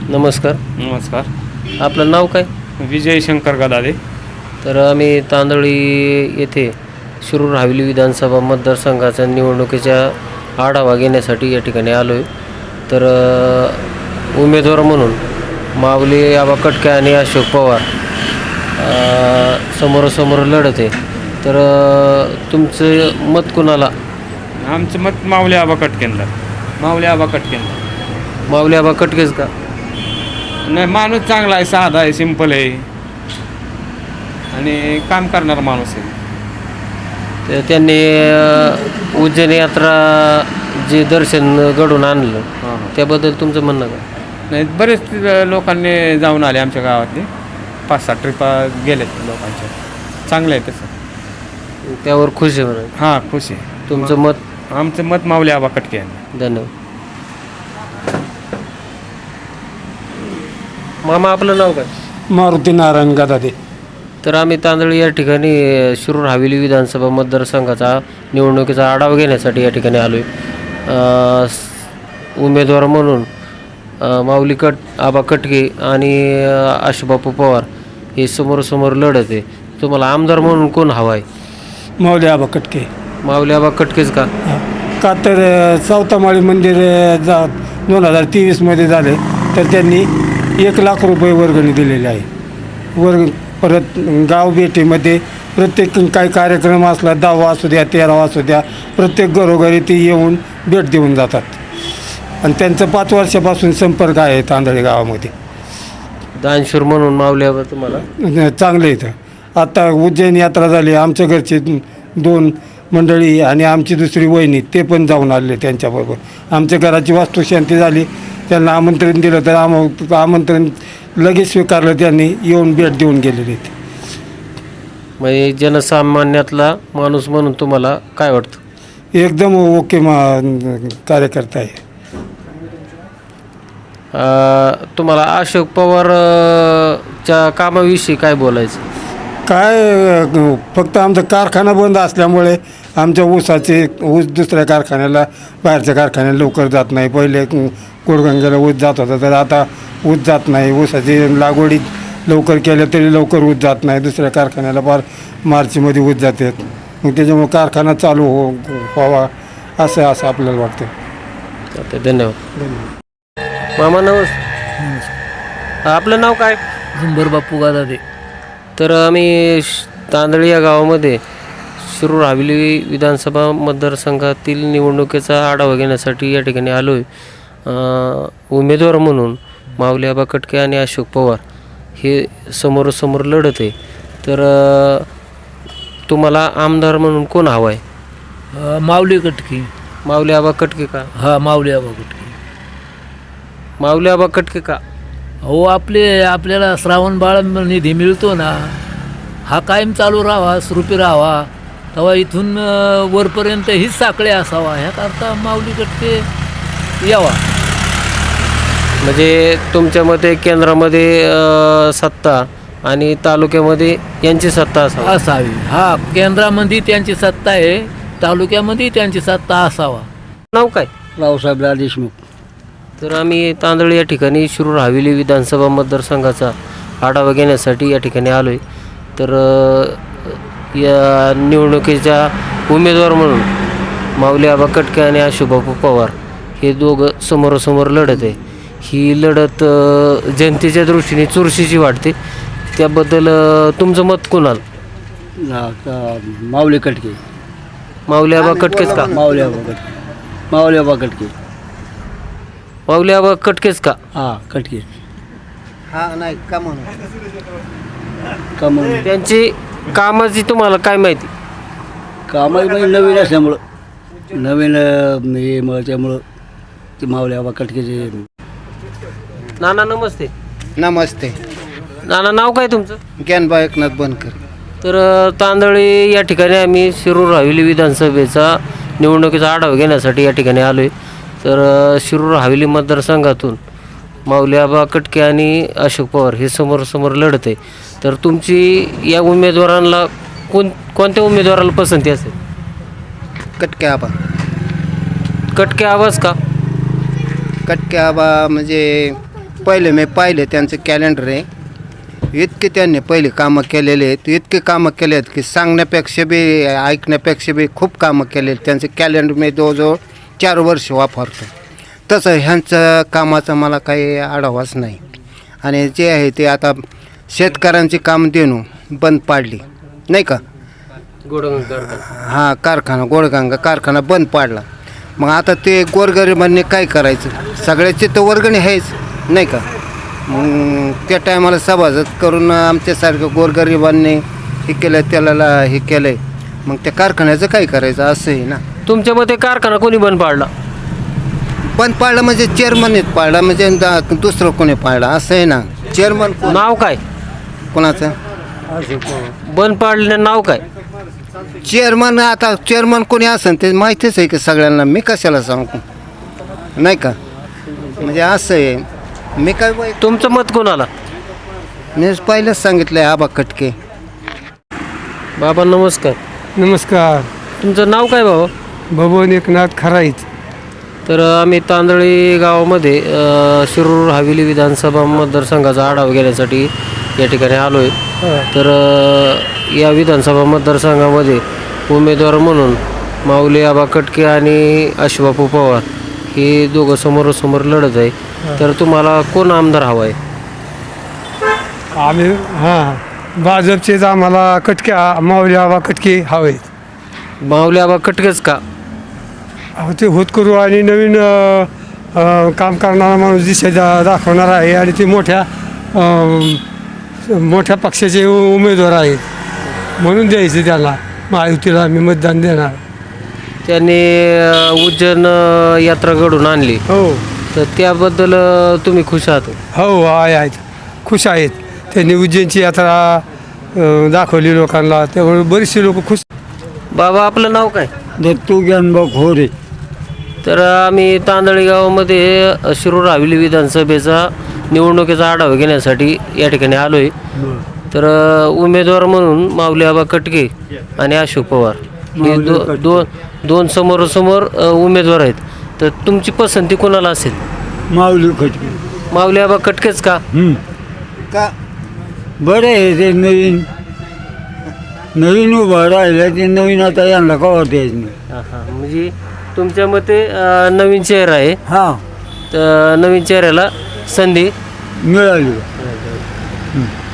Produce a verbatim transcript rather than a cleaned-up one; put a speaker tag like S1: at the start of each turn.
S1: नमस्कार.
S2: नमस्कार.
S1: आपलं नाव काय?
S2: विजय शंकर गदादे.
S1: तर आम्ही तांदळी येथे शिरूर हवेली विधानसभा मतदारसंघाच्या निवडणुकीच्या आढावा घेण्यासाठी या ठिकाणी आलो आहे. तर अ, उमेदवार म्हणून माऊली आबा कटके आणि अशोक पवार अ, समोरासमोर लढत आहे. तर अ, तुमचं मत कुणाला?
S2: आमचं मत माऊली आबा कटकेंना. माऊली आबा कटकेंना.
S1: माऊली आबा कटकेच का?
S2: नाही, माणूस चांगला आहे, साधा आहे, सिंपल आहे आणि काम करणारा माणूस आहे.
S1: तर त्यांनी अ, उज्जैन यात्रा जे दर्शन घडून आणलं
S2: हां हां.
S1: त्याबद्दल तुमचं म्हणणं का?
S2: नाही, बरेच लोकांनी जाऊन आले आमच्या गावातले. पाच सात ट्रिपा गेलेत लोकांच्या. चांगलं आहे तसं.
S1: त्यावर खुश आहे म्हणून
S2: हां, खुश आहे.
S1: तुमचं मत?
S2: आमचं मत माऊली आबा कटके यांना.
S1: धन्यवाद. मामा आपलं नाव काय?
S3: मारुती नारायण गदादे.
S1: तर आम्ही तांदळी या ठिकाणी अ, शिरूर हवेली विधानसभा मतदारसंघाचा निवडणुकीचा आढावा घेण्यासाठी या ठिकाणी आलो आहे. उमेदवार म्हणून अ, माऊली कट आबा कटके आणि अ, आशुबापू पवार हे समोरासमोर लढत आहे. तुम्हाला आमदार म्हणून कोण हवा आहे?
S3: माऊली आबा कटके.
S1: माऊली आबा कटकेच का?
S3: का तर अ, चौथामाळी मंदिर अ, जा दोन हजार तेवीसमध्ये झाले तर त्यांनी एक लाख रुपये वर्गणी दिलेली आहे. वर्ग परत गाव भेटीमध्ये प्रत्येक काही कार्यक्रम असला, दहावा असू द्या, तेरावा असू द्या, प्रत्येक घरोघरी ते येऊन भेट देऊन जातात. आणि त्यांचं पाच वर्षापासून संपर्क आहे तांदळी गावामध्ये.
S1: दानशूर म्हणून माऊली आबा तुम्हाला
S3: चांगलं इथं. आता उज्जैन यात्रा झाली, आमच्या घरचे दोन मंडळी आणि आमची दुसरी वहिनी ते पण जाऊन आले त्यांच्याबरोबर. आमच्या घराची वास्तुशांती झाली, त्यांना आमंत्रण दिलं तर आम आमंत्रण लगेच स्वीकारलं, त्यांनी येऊन भेट देऊन गेलेले ते.
S1: म्हणजे जनसामान्यातला माणूस म्हणून तुम्हाला काय वाटतं?
S3: एकदम ओके मा कार्यकर्ता आहे.
S1: अ, तुम्हाला अशोक पवार अ, च्या कामाविषयी काय बोलायचं?
S3: काय अ, फक्त आमचा कारखाना बंद असल्यामुळे आमच्या ऊसाचे ऊस दुसऱ्या कारखान्याला, बाहेरच्या कारखान्याला लवकर जात नाही. पहिले कोडगंगेला ऊस जात होता, तर आता ऊस जात नाही. ऊसाची लागवडी लवकर केल्या तरी लवकर ऊस जात नाही. दुसऱ्या कारखान्याला फार मार्चमध्ये ऊस जातात. मग त्याच्यामुळे कारखाना चालू हो व्हावा असं असं आपल्याला वाटतं.
S1: चालतंय, धन्यवाद. मामा नमस्कार. आपलं नाव काय?
S4: झुंबर बापू गदादे.
S1: तर आम्ही श- तांदळी या गावामध्ये शिरूर हवेली विधानसभा मतदारसंघातील निवडणुकीचा आढावा घेण्यासाठी या ठिकाणी आलो आहे. उमेदवार म्हणून माऊली आबा कटके आणि अशोक पवार हे समोरासमोर लढत आहे. तर अ, तुम्हाला आमदार म्हणून कोण हवा आहे?
S4: अ, माऊली कटके.
S1: माऊली आबा कटके का?
S4: हा, माऊली आबा कटके.
S1: माऊली आबा कटके का?
S4: हो, आपले आपल्याला श्रावण बाळ निधी मिळतो ना, हा कायम चालू राहावा, सुरूपी राहावा. तेव्हा इथून अ, वरपर्यंत हीच साखळे असावा, ह्याकरता माऊली कटके यावा.
S1: म्हणजे तुमच्या मते केंद्रामध्ये अ, सत्ता आणि तालुक्यामध्ये यांची सत्ता असावी.
S4: असावी. हा, केंद्रामध्ये त्यांची सत्ता आहे, तालुक्यामध्ये त्यांची सत्ता असावा.
S1: नाव काय?
S3: रावसाहेब देशमुख.
S1: तर आम्ही तांदळी या ठिकाणी शिरूर हवेली विधानसभा मतदारसंघाचा आढावा घेण्यासाठी या ठिकाणी आलो आहे. तर अ, या निवडणुकीच्या उमेदवार म्हणून माऊली आबा कटके आणि आशुबापू पवार हे दोघं समोरासमोर लढत आहे. ही लढत अ, जनतेच्या दृष्टीने चुरशीची वाटते. त्याबद्दल अ, तुमचं मत कोणाला?
S3: माऊली कटके.
S1: माऊली आबा कटकेच का?
S3: माऊली आबा कटके. माऊली आबा कटके.
S1: माऊली आबा कटकेच का?
S3: हां, कटके.
S5: हा नाही का म्हणून
S3: का म्हणून
S1: त्यांची कामाची तुम्हाला काय माहिती?
S3: कामाची नवीन असल्यामुळं नवीन अं, हे मग त्यामुळं ते माऊली आबा कटकेचे.
S1: नाना नमस्ते.
S5: नमस्ते.
S1: नाना नाव काय तुमचं?
S5: ज्ञानबा एकनाथ बनकर.
S1: तर अ, तांदळी या ठिकाणी आम्ही शिरूर हवेली विधानसभेचा निवडणुकीचा आढावा घेण्यासाठी या ठिकाणी आलो आहे. तर अ, शिरूर हवेली मतदारसंघातून माऊली आबा कटके आणि अशोक पवार हे समोरासमोर लढत आहे. तर तुमची या उमेदवारांना कोण कोणत्या उमेदवाराला पसंती असेल?
S5: कटके आबा.
S1: कटके आवाज का?
S5: कटके आबा म्हणजे पहिले मी पाहिले त्यांचं कॅलेंडर आहे. इतके त्यांनी पहिले कामं केलेले आहेत, इतके कामं केले आहेत की सांगण्यापेक्षा बी ऐकण्यापेक्षा बी खूप कामं केले आहेत. त्यांचं कॅलेंडर मी जवळजवळ चार वर्ष वापरतो. तसं ह्यांचं कामाचा मला काही आढावाच नाही. आणि जे आहे ते आता शेतकऱ्यांची काम देणं बंद पाडली नाही का. हां, कारखाना गोडगंगा कारखाना बंद पाडला. मग आता ते गोरगरिबांनी काय करायचं, सगळ्याची तर वर्गणी आहेच नाही का. मग त्या टायमाला सभासद करून आमच्यासारख्या गोरगरिबांनी हे केलं त्याला हे केलं आहे. मग त्या कारखान्याचं काय करायचं असं आहे ना.
S1: तुमच्या मते कारखाना कोणी बंद पाडला?
S5: बंद पाडलं म्हणजे चेअरमननेच पाडला, म्हणजे दा- दुसरं कोणी पाडला असं आहे ना. चेअरमन
S1: नाव काय
S5: कोणाचं?
S1: बंद पाडलं नाव काय?
S5: चेअरमन आता चेअरमन कोणी असेल ते माहितीच आहे की सगळ्यांना. मी कशाला सांगू नाही का. म्हणजे असं आहे. मी काय बाई-
S1: तुमचं मत कोणाला?
S5: मी पहिलेच सांगितलं आहे आबा कटके.
S1: बाबा नमस्कार.
S3: नमस्कार.
S1: तुमचं नाव काय बाबा?
S3: भवन एकनाथ खराईत.
S1: तर आम्ही तांदळी गावामध्ये अ, शिरूर हवेली विधानसभा मतदारसंघाचा आढावा घेण्यासाठी या ठिकाणी आलो आहे. तर अ, या विधानसभा मतदारसंघामध्ये उमेदवार म्हणून माऊली आबा कटके आणि अशबापू पवार हे दोघं समोरासमोर लढत आहे. तर तुम्हाला कोण आमदार हवा आहे?
S3: आम्ही हां भाजपचेच आम्हाला कटके माऊली आबा कटके हवे.
S1: माऊली आबा कटकेच का?
S3: अहो, ते होतकरू आणि नवीन अ, अ, काम करणारा माणूस दिशा दा दाखवणार आहे आणि ते मोठ्या अ, मोठ्या पक्षाचे उ- उमेदवार आहेत म्हणून द्यायचे त्यांना. महायुतीला आम्ही मतदान देणार.
S1: त्यांनी अ, उज्जैन अ, यात्रा घडून आणली,
S3: हो
S1: तर त्याबद्दल अ, तुम्ही खुश आहात?
S3: हो आहे आहेत, खुश आहेत. त्यांनी उज्जैनची यात्रा अ, दाखवली लोकांना, त्यामुळे बरीचशी लोक खुश.
S1: बाबा आपलं नाव काय?
S3: दत्तू ज्ञानभाऊ खोरे.
S1: तर आम्ही तांदळी गावामध्ये अ, शिरूर हवेली विधानसभेचा निवडणुकीचा आढावा घेण्यासाठी या ठिकाणी आलो आहे. तर अ, उमेदवार म्हणून माऊली आबा कटके आणि अशोक पवार हे दो दोन दोन समोरासमोर अ, उमेदवार आहेत. तर तुमची पसंती कोणाला असेल?
S3: माऊली कटके.
S1: माऊली आबा कटकेच का?
S5: का
S3: बरं आहे ते नवीन नवीन उभं राहिलं ते नवीन आता यांना कवा द्यायचं नाही.
S1: हां हां, म्हणजे तुमच्या मते अ, नवीन चेहरा आहे,
S3: हां
S1: तर नवीन चेहऱ्याला संधी
S3: मिळाली.